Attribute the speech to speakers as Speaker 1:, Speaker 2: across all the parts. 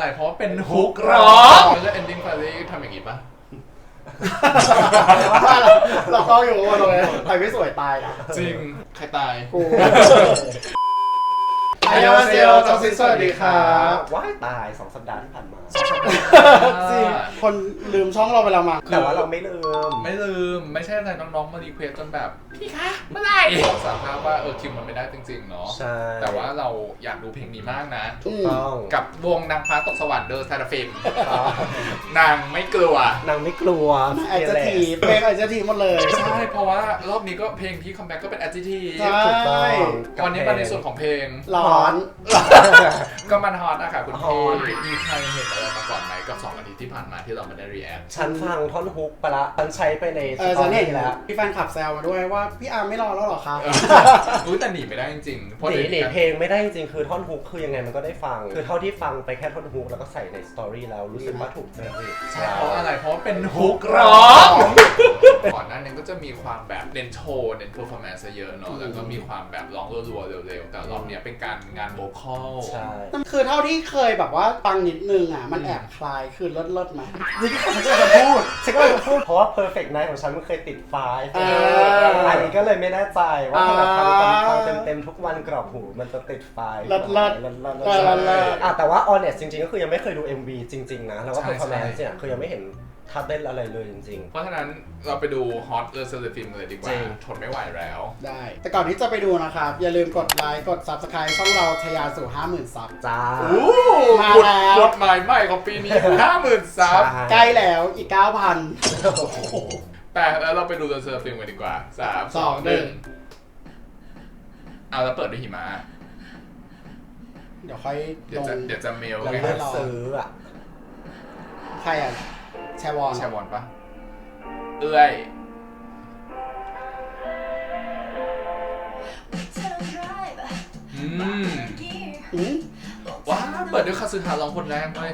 Speaker 1: อะไรเพราะเป็นฮุกร้องแล้ว ending finale ทำอย่างนี้ปะ
Speaker 2: เราก็อยู่ว่าเลยใครไม่สวยตายนะ
Speaker 1: จริงใครตาย
Speaker 2: กูอายาเซียวจอซิสวัสดีครับ
Speaker 3: ว้ายตาย2 สัปดาห์ที่ผ่านมา
Speaker 2: จริงคนลืมช่องเราไปแล้วมั้ง
Speaker 3: แต่ว่าเราไม่ลืม
Speaker 1: ไม่ใช่อะไรน้องๆมารีเควสจนแบบพี่คะเมื่อไหร่สารภาพว่าคิวมันไม่ได้จริงๆเนาะ
Speaker 3: ใช่
Speaker 1: แต่ว่าเราอยากดูเพลงนี้มากนะ
Speaker 3: ถูกต้อง
Speaker 1: กับวงนางฟ้าตกสวรรค์เดอะซาราฟิมนางไม่กลัวน
Speaker 3: างไม่กลัว
Speaker 2: ไอจะทีเพลงไอจะทีหมดเลย
Speaker 1: ใช่เพราะว่ารอบนี้ก็เพลงที่คัมแบ็กก็เป็น adjective
Speaker 2: ถูกต้อง
Speaker 1: วันนี้มาในส่วนของเพลง
Speaker 2: ร้อน
Speaker 1: ก็มันฮอตอะค่ะคุณพี่มีใครเห็นอะไรมาก่อนไหมกับ2 อาทิตย์ที่ผ่านมาที่เราไม่ได้รีแอค
Speaker 3: ฉันฟังท่อนฮุกไปละฉันใช้ไปใน
Speaker 2: ฉันเห็นแล้วพี่แฟนคลับแซวมาด้วยว่าพี่อาร์ไม่รอแล้วหรอครับ
Speaker 1: แต่หนีไม่ได้จริง
Speaker 3: ๆหนีเพลงไม่ได้จริงๆคือท่อนฮุกคือยังไงมันก็ได้ฟังคือเท่าที่ฟังไปแค่ท่อนฮุกแล้วก็ใส่ในสตอรี่แล้วรู้สึกว่าถูกเลย
Speaker 1: ใช่เพราะอะไรเพราะเป็นฮุกร้องก่อนหน้านี้ก็จะมีความแบบเน้นโชว์เน้นเพอร์ฟอร์แมนซ์เยอะเนาะแล้วก็มีความแบบร้องรัวๆเร็วๆแต่รอบนี้เป็นการงานโวคอล
Speaker 3: ใช่
Speaker 2: คือเท่าที่เคยแบบว่าฟังนิดนึงอ่ะมันแอบคลายคือเลิศไหมนี่ก็ฉันจะพูด
Speaker 3: เพราะว่า perfect night ของฉันมันเคยติดไฟล์อันนี้ก็เลยไม่แน่ใจว่าถ้าเราฟังเต็มทุกวันกรอบหูมันจะติดไฟล์แต่ว่า honest จริงๆก็คือยังไม่เคยดู MV จริงๆนะแล้วก็ performance เนี่ยคือยังไม่เห็นท่าเต้นอะไรเลยจริงๆ
Speaker 1: เพราะฉะนั้นเราไปดู Hot เซเลฟิล์มเลยดีกว่าทนไม่ไหวแล้ว
Speaker 2: ได้แต่ก่อนที่จะไปดูนะครับอย่าลืมกดไลค์กด Subscribe ช่องเราทะยานสู่ 50,000 ซับ
Speaker 3: จ้า
Speaker 2: มาแล้ว
Speaker 1: กดหมายใหม่ของปีนี้ 50,000 ซับ
Speaker 2: ใกล้แล้วอีก 9,000
Speaker 1: แต่แล้วเราไปดูเซเลฟิล์มกันดีกว่า3 2 1เอาแล้วเปิดด้วยหิมะ
Speaker 2: เดี๋ยวค่อย
Speaker 1: เดี๋ยวจะเมล
Speaker 3: แล้วเลือกซื้ออ่ะ
Speaker 2: ใครอ่ะแชวอน
Speaker 1: ปะเอื้อยว้าเปิดด้วยคาซึฮาร้องคนแรกเลย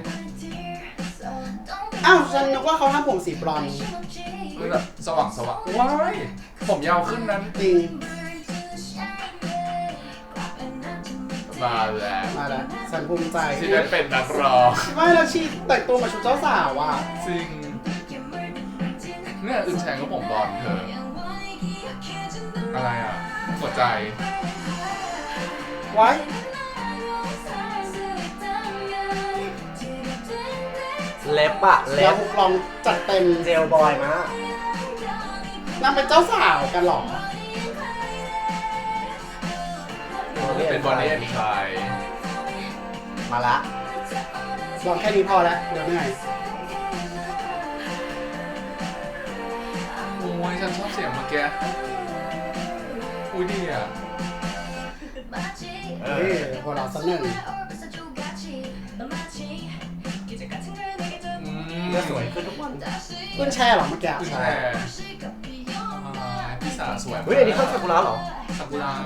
Speaker 2: อ้าวฉันนึกว่าเขาทำผมสีบรอนซ์
Speaker 1: แบบสว่างว้ายผมยาวขึ้นนั้น
Speaker 2: จริง
Speaker 1: มาแล้ว
Speaker 2: ฉันภูมิใจ
Speaker 1: ที่ได้เป็นนักร้อง
Speaker 2: ไม่แล้วชีแต่งตัวมาชุดเจ้าสาวอ่ะ
Speaker 1: จริงเนี่ยอึนแฉงก็ผมบอลเธออะไรอ่ะหัวใจ
Speaker 2: ไว้
Speaker 3: เล็บอะเล็บ
Speaker 2: ลองจัดเต็ม
Speaker 3: เจลบอยมาก
Speaker 2: นางเป็นเจ้าสาวกันหรอ
Speaker 1: เป็นบอลเล่นใคร
Speaker 3: มาละ
Speaker 2: ลองแค่นี้พอแล้วเดี๋ยวเหนื่อย
Speaker 1: โอ้ยฉันชอบเสียงเมื่อกี้อุ้ยดีอ่ะ
Speaker 2: หัวเราะสักหนึ่ง
Speaker 3: สวยขึ้นทุกวัน
Speaker 2: ขึ้นแช่หรอเมื่อกี้
Speaker 1: ใช่พี่สาสวย
Speaker 3: เฮ้ยอันนี้เข้าซากุระเหรอ
Speaker 1: ซากุระ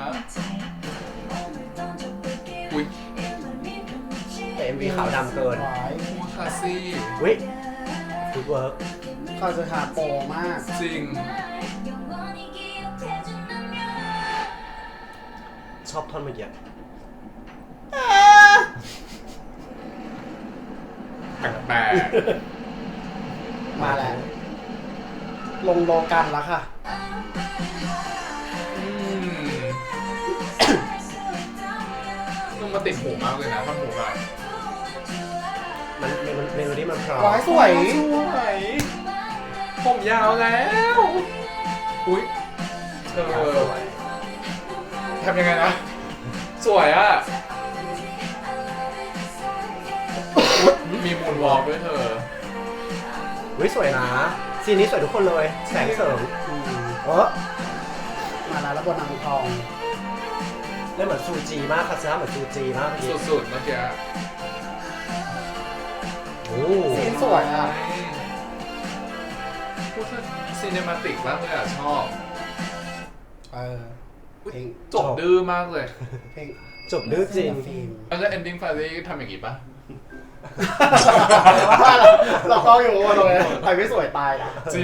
Speaker 1: อุ้ย
Speaker 3: แต่ MV ขาวดำเกิน
Speaker 1: คาซี่
Speaker 3: วิฟุตเวิร์ก
Speaker 2: เขาจะหาโปรมาก
Speaker 1: จริง
Speaker 3: ชอบท่อนเมื่อกี้
Speaker 1: แปลก
Speaker 2: มาแล้วลงโลกันแล้วค่ะ
Speaker 1: ต้องมาติดหูมากเลยนะท่อนหูอ่ะ
Speaker 3: มันเมโลดี้มันเพราะ
Speaker 2: สวย
Speaker 1: ผมยาวแล้วอุ้ยทำยังไงนะสวยอ่ะมีมูนวอล์กด้วยเธอ
Speaker 3: สวยนะซีนนี้สวยทุกคนเลยแสงเสริม
Speaker 2: มาแล้วบนนางทอง
Speaker 3: เล่นเหมือนซูจีมากค่ะเหมือนซูจีมาก
Speaker 1: สุดๆเมื่อกี้
Speaker 2: ซีนสวยอ่ะ
Speaker 1: พูดถึงซีเนมาติกมากเลยอ่ะชอบเพลงจบดื้อมากเลย
Speaker 2: เพลง
Speaker 3: จบดื้อจริง
Speaker 1: แล้ว ending finale ทำอย่างงี้ปะ
Speaker 2: เราก็อยู่ว่าเลยใครไม่สวยตายนะ
Speaker 1: จริงใ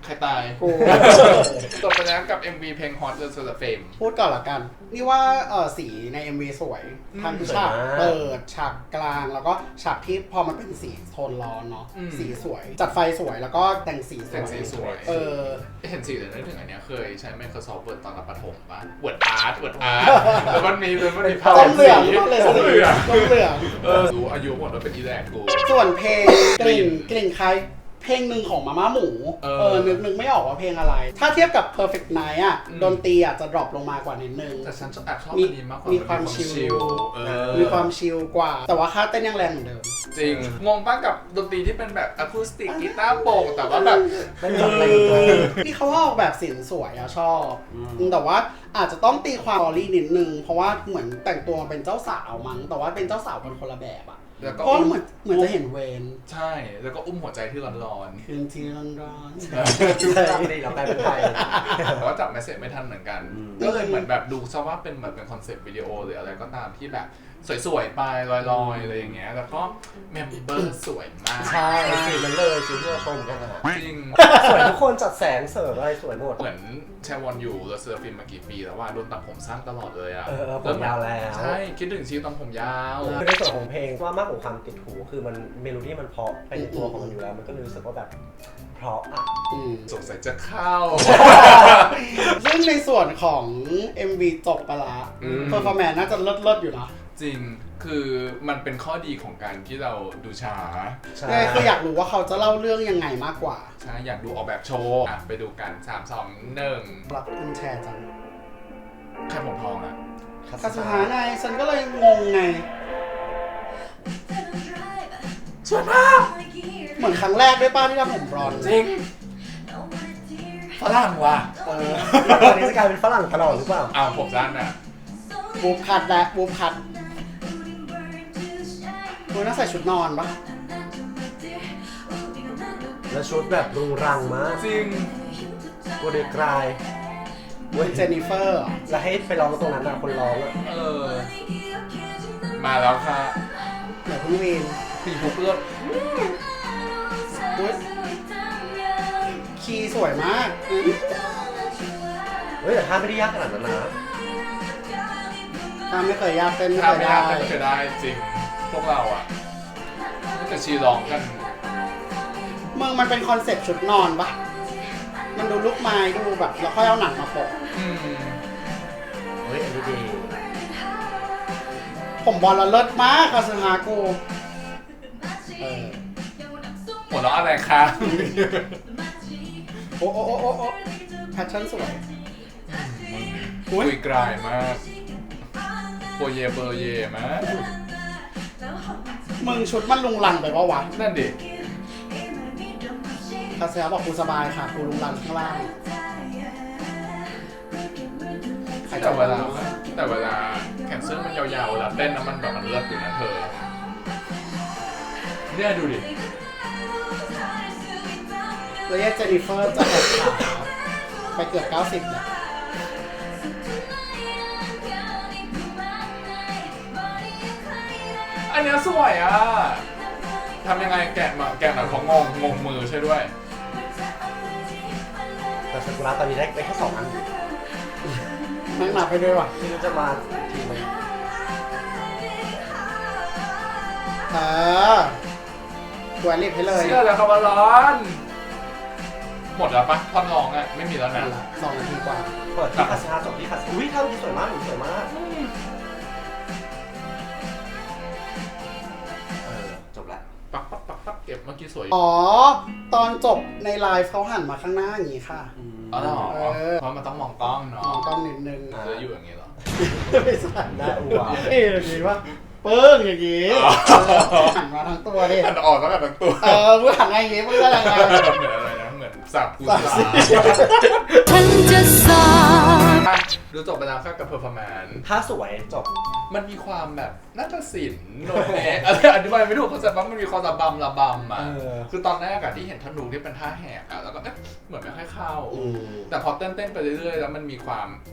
Speaker 1: ใครตาย
Speaker 2: กู
Speaker 1: จบไปแล้วกับ MV เพลง Hot The Solar Flame
Speaker 2: พูดก่อนละกัน นี่ว่าสีใน MV สวยทั้งฉากเปิดฉากกลางแล้วก็ฉากที่พอมันเป็นสีโทนร้อนเนาะสีสวย จัดไฟสวยแล้วก็แต่งสีส
Speaker 1: แต่ง
Speaker 2: วย
Speaker 1: สีสวย เห็นสีเลยนึกถึงอันเนี้ยเคยใช้ Microsoft Word ตอนรับประถมป่ะ Word Art แล้วมันมีภาพ
Speaker 2: ต้มเหลือง
Speaker 1: สี
Speaker 2: เลย
Speaker 1: ต้มเหลือง
Speaker 2: ต้มเหลือง
Speaker 1: รู้อายุหมดแล้วเป็นอีแลกกู
Speaker 2: ส่วนเพลงกลิ่นคล้ายเพลงหนึ่งของมาม่าหมูนึกไม่ออกว่าเพลงอะไร ถ้าเทียบกับ Perfect Night อ่ะดนตรีอาจจะดรอปลงมากว่านิดนึง
Speaker 1: แต่ฉันแอบชอบอันนี้มากกว่า
Speaker 2: มีความชิล มีความชิลกว่า แต่ว่าค่าเต้นยังแรงเหมือนเดิม
Speaker 1: จริง งงป้ากับดนตรีที่เป็นแบบอะคูสติกกีตาร์โปร่งแต่ว่าแบบ
Speaker 3: ไม่มีอะไรเลย
Speaker 2: ที่เขาออกแบบสินสวยอะชอบแต่ว่าอาจจะต้องตีความออรี่นิดนึง เพราะว่าเหมือนแต่งตัวมาเป็นเจ้าสาวมั้งแต่ว่าเป็นเจ้าสาวเป็นคนละแบบอะ
Speaker 1: แล้วก็
Speaker 2: เพราะเหมือนจะเห็นเวน
Speaker 1: ใช่ แล้วก็อุ้มหัวใจที่ร้อน
Speaker 2: คืนที่ร้อน
Speaker 3: จำดีเราแปลเป็นไทย
Speaker 1: ๆแต่ว่าจับเมสเซจไม่ทันเหมือนกัน ก็เลยเหมือนแบบดูซะว่าเป็นเหมือนเป็นคอนเซปต์วิดีโอหรืออะไรก็ตามที่แบบสวยๆไปลอยๆอะไรอย่างเงี้ยแล้วก็เมมเบอร์สวยมาก
Speaker 3: ใช่สีมันเลยสีที่เราชมกันนะ
Speaker 1: จริง
Speaker 3: สวยทุกคนจัดแสงเสริมอะไรสวยหมด
Speaker 1: เหมือนแชวอนอยู่เราเซอร์ฟินมากี่ปีแล้วว่าโดนตัดผมสั้นตลอดเลยอ่ะ
Speaker 3: ผมยาวแล้ว
Speaker 1: ใช่คิดถึงชีวิตตอนผมยาว
Speaker 3: คือในส่วนของเพลงว่ามากกว่าความติดหูคือมันเมโลดี้มันเพราะไปในตัวของมันอยู่แล้วมันก็เลยรู้สึกว่าแบบเพราะอ่ะ
Speaker 1: สงสัยจะเข้า
Speaker 2: ซึ่งในส่วนของ MV จบไปละเพอร์ฟอร์แมนซ์น่าจะเลิศๆอยู่นะ
Speaker 1: จริงคือมันเป็นข้อดีของการที่เราดูช้า
Speaker 3: ใช่
Speaker 2: คืออยากรู้ว่าเขาจะเล่าเรื่องยังไงมากกว่า
Speaker 1: ใช่อยากดูออกแบบโชว์อ่ะไปดูกัน 3 2 1
Speaker 2: รับคุณแชร์จัง
Speaker 1: ใครผมทองอ่ะ
Speaker 2: คาสุฮาไงฉันก็เลยงงไง
Speaker 1: สวยมาก
Speaker 2: เหมือนครั้งแรกด้วยป้าที่ทำผมบลอนด์
Speaker 1: จริงฝรั่งว่ะ
Speaker 3: ตอนนี้จะกลายเป็นฝรั่งตลอดหรือเปล่า
Speaker 1: อ้าวผมสั้นอ่ะ
Speaker 2: บูมคัดและบูมคัดคุณน่าใส่ชุดนอนปะ
Speaker 3: แล้วชุดแบบรุงรังมาก
Speaker 1: จริง
Speaker 3: โกเดกราย
Speaker 2: คุณเจนนิเฟอร์
Speaker 3: แล้วให้ไปร้องตรงนั้นนะคนร้องอ่ะ
Speaker 1: มาแล้วค่ะ
Speaker 2: เดี๋ยวคุณวีน
Speaker 1: พี่ฮุกเลือด
Speaker 2: อุ๊ยคีย์สวยมาก
Speaker 3: เฮ้ยแต่ท่าไม่ได้ยากขนาดนั้นนะ
Speaker 2: ถ้าไม่เคยยากเต้นไม่
Speaker 1: ถ้า
Speaker 2: เคย
Speaker 1: ไม่
Speaker 2: ได้
Speaker 1: ได้ไม่เคยได้จริง พวกเราอ่ะแต่ชีร้องกัน
Speaker 2: มึงมันเป็นคอนเซ็ปต์ชุดนอนปะมันดูลูกไม้ดูแบบแล้วค่อยเอาหนังมาโปะ
Speaker 3: เฮ้ยอันนี้ดี
Speaker 2: ผมบอลละเลิศมากคาซึฮากู
Speaker 1: หัวเราะอะไรคะ
Speaker 2: โอ้แพทเทิร์นสวย
Speaker 1: คุยกลายมากโปเยเบอร์เยมาก
Speaker 2: มึงชุดมันลุงลังไปปะวะ
Speaker 1: นั่นดิ
Speaker 2: คาซึฮาบอกกูสบายค่ะกูลุงลังข้างล่าง
Speaker 1: แต่เวลาแขนเสื้อมันยาวๆเวลาเต้นนะมันแบบมันเลิศอยู่นะเธอเนี่ยดูดิ
Speaker 2: แล้วเจนนิเฟอร์จะแอบขาไปเกือบ90เนี่ย
Speaker 1: อันเนี้ยสวยอ่ะทำยังไงแกะหน่อยเขางงมือใช่ด้วย
Speaker 3: แต่ซากุระตอนนี้ได้แค่2 อัน
Speaker 2: นั่งหนับไปด้วยว่ะ
Speaker 3: ที่จะมาทีไหม
Speaker 2: กูแอดลิปให้เลย
Speaker 1: เชื่อแล้วครับว่าร้อน หมดแล้วปะท่อนร้องอ่ะไม่มีแล้วนะ
Speaker 2: 2 นาทีกว่า
Speaker 3: เปิดที่คาสิฮาจบที่คาสิอุ้ยท่าที่สวยมากหนูสวยมากจบแล้ว
Speaker 1: ปักเก็บเมื่อกี้สวย
Speaker 2: อ๋อ ตอนจบในไลฟ์เขาหันมาข้างหน้าอย่างนี้ค่ะ
Speaker 1: อ๋อเหรอเพราะมันต้องมองกล้องเนาะ
Speaker 2: มองกล้องนิดนึง
Speaker 1: จะอยู่อย่างนี้เหรอ
Speaker 2: ไม่ใช่
Speaker 3: หน้าอัว
Speaker 2: อย่างนี้ว่าเปิ้งอย่างนี้หันมาทั้งตัวดิ
Speaker 1: หันออกแล้วแบบทั้งตัว
Speaker 2: มึงหันมาอย่างนี้มึงอะไรไง
Speaker 1: เหมือนอะไรนะเหมือนสับกูสา
Speaker 4: ฉันจะสาบ
Speaker 1: ดูจบไปแล้วค่ะกับเพอร์ฟอร์แมนซ์
Speaker 3: ท่าสวยจบ
Speaker 1: มันมีความแบบน่าจะศิลป์โนดแนะอธิบายไม่ถูกเขาใจว่ามันมีความระบำอ่ะคือตอนแรกอะที่เห็นธนูที่เป็นท่าแหกอะแล้วก็เหมือนไม่ค่อยเข้าแต่พอเต้นไปเรื่อยๆแล้วมันมีความ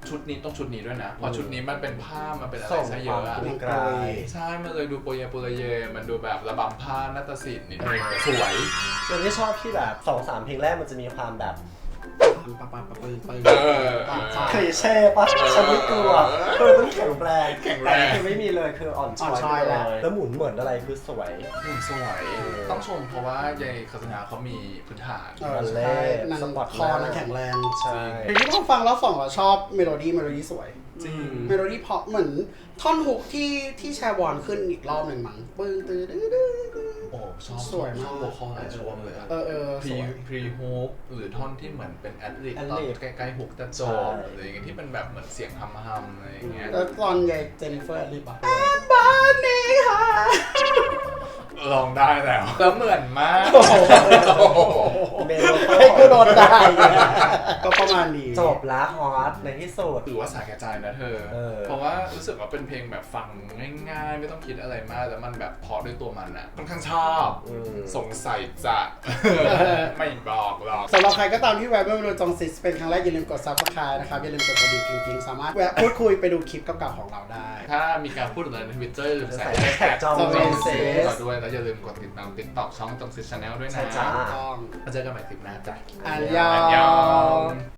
Speaker 1: ชุดนี้ต้องชุดนี้ด้วยนะเพราะชุดนี้มันเป็นผ้ามันเป็นอะไร
Speaker 3: ส่ง
Speaker 1: ซะ
Speaker 3: ค
Speaker 1: เย
Speaker 3: วาม
Speaker 1: อะอะ
Speaker 3: กรุงไกร
Speaker 1: ใช่มันเลยดูโปรเยโปรเยมันดูแบบระบำผ้านาฏศิลป์นิดนึงสวย
Speaker 3: เรื่องที่ชอบที่แบบ2-3 เพลงแรกมันจะมีความแบบ
Speaker 2: ปะปะปะปึ้งปึ้ง
Speaker 3: เคยเช่ปะฉันไม่กลัวต้องแข็งแรง
Speaker 1: แข็งแรง
Speaker 3: ต่คือไม่มีเลยคืออ่อนช้อยไปเลยแล้วหมุนเหมือนอะไรคือสวย
Speaker 1: สวยต้องชมเพราะว่ายายคาสนาเขามีพื้นฐาน
Speaker 2: ใช่นางคอนางแข็งแรง
Speaker 3: ใช่
Speaker 2: เพลงที่ต้องฟังแล้ว2เราชอบเมโลดี้สวย
Speaker 1: จริง
Speaker 2: เมโลดี้เพราะเหมือนท่อนฮุกที่แชร์บอลขึ้นอีกรอบหนึ่งมั้งปึ้งตื้อดื้อดื้อ
Speaker 1: โอ้ชอบ
Speaker 2: สวยมาก
Speaker 1: ชอบโวคอลหลายช่วงเลยอะ
Speaker 2: สวย
Speaker 1: พรีฮุกหรือท่อนที่เหมือนเป็นแอดลิบตอนใกล้ๆฮุกจะจบหรืออย่างเงี้ยที่เป็นแบบเหมือนเสียงฮัมๆอะไรอย่างเงี้ย
Speaker 2: แล้วตอนยายเจนนิเฟอร์รีบอ่ะบ้านนี้ค่ะ
Speaker 1: ลองได้แล้วแล้วเหมือนมาก
Speaker 3: เมโล
Speaker 2: ให้กูโดนได้ก็ประมาณนี้
Speaker 3: จบละฮอตในที่สุด
Speaker 1: ถือว่าสายกระจายนะเธอ เพราะว่ารู้สึกว่าเป็นเพลงแบบฟังง่ายๆ ไม่ต้องคิดอะไรมากแล้วมันแบบเพอด้วยตัวมันอะค่อนข้างชอบ สงสัยจะ ไม่บอกหรอก
Speaker 2: สำหรับใครก็ตามที่แวะมาดูจงซิสเป็นครั้งแรกอย่าลืมกด Subscribe นะครับอย่าลืมกดกระดิ่งกิ๊งๆสามารถแวะพูดคุยไปดูคลิปเก่าๆของเราได้
Speaker 1: ถ้ามีการพูดอะไรในทวิตเตอร์หรือใส่
Speaker 3: แท็กจอม
Speaker 2: จอม
Speaker 3: เซ
Speaker 1: เราด้วยแล้วอย่าลืมกดติดตามTikTok ช่องจงซิส Channel ด้วยนะ
Speaker 3: ใช่จ้า
Speaker 2: ต้อง
Speaker 1: แล้วเจอกันใหม่คลิปหน้าจ้ะ
Speaker 2: อันยอง